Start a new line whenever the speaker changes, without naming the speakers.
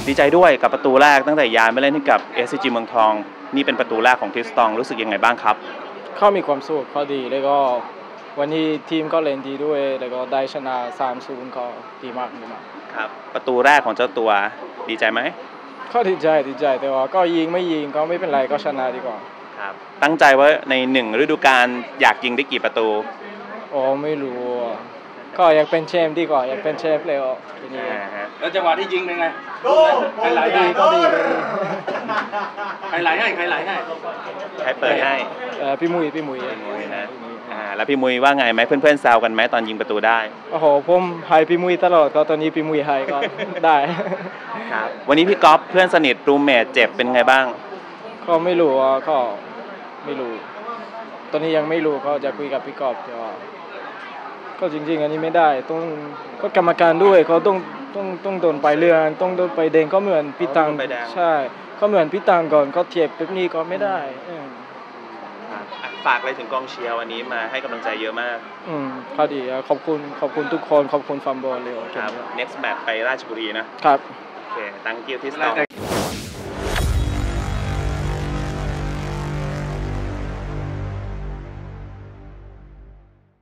ดีใจด้วยกับประตูแรกตั้งแต่ย้ายมาเล่นให้กับ SCG เมืองทองนี่เป็นประตูแรกของทิสตองรู้สึกยังไงบ้างครับ
เขามีความสุขเขาดีแล้วก็วันนี้ทีมก็เล่นดีด้วยแล้วก็ได้ชนะ 3-0 ก็ดีมาก
ครับประตูแรกของเจ้าตัวดีใจไหม
ก็ดีใจแต่ว่าก็ยิงไม่ยิงก็ไม่เป็นไรก็ชนะดีกว่า
ครับตั้งใจว่าใน1ฤดูกาลอยากยิงได้กี่ประตู
อ๋อไม่รู้ก็อยากเป็นแชมป์ดีกว่าอยากเป็นแชมป์เลยทีนี้
แล้วจังหวะที่ยิงเป็นไงใครไหล
ดีก็ดี
ใครไหลให้ใคร
เปิดให้
พี่มุ้ย
นะแล้วพี่มุ้ยว่าไงไหมเพื่อนๆแซวกันไหมตอนยิงประตูได้
โอ้โหผมให้พี่มุ้ยตลอดก็ตอนนี้พี่มุ้ยให้ก็ได้
ครับวันนี้พี่ก๊อฟเพื่อนสนิทรูมเมทเจ็บเป็นไงบ้าง
ก็ไม่รู้ก็ไม่รู้ตอนนี้ยังไม่รู้ก็จะคุยกับพี่ก๊อฟก็จริงๆอันนี้ไม่ได้ต้องก็กรรมการด้วยเขาต้องโดนไปเรื่องต้องโดนไปแดงก็เหมือนพี่ตังใช่ก็เหมือนพี่ตังก่อนก็เทียบแบบนี้ก็ไม่ได้
ฝากอะไรถึงกองเชียร์วันนี้มาให้กำลังใจเยอะมาก
ก็ดีขอบคุณทุกคนขอบคุณฟัมบอลเลย
ครับ next match ไปราชบุรีนะครับโอเค thank you ที่สตอง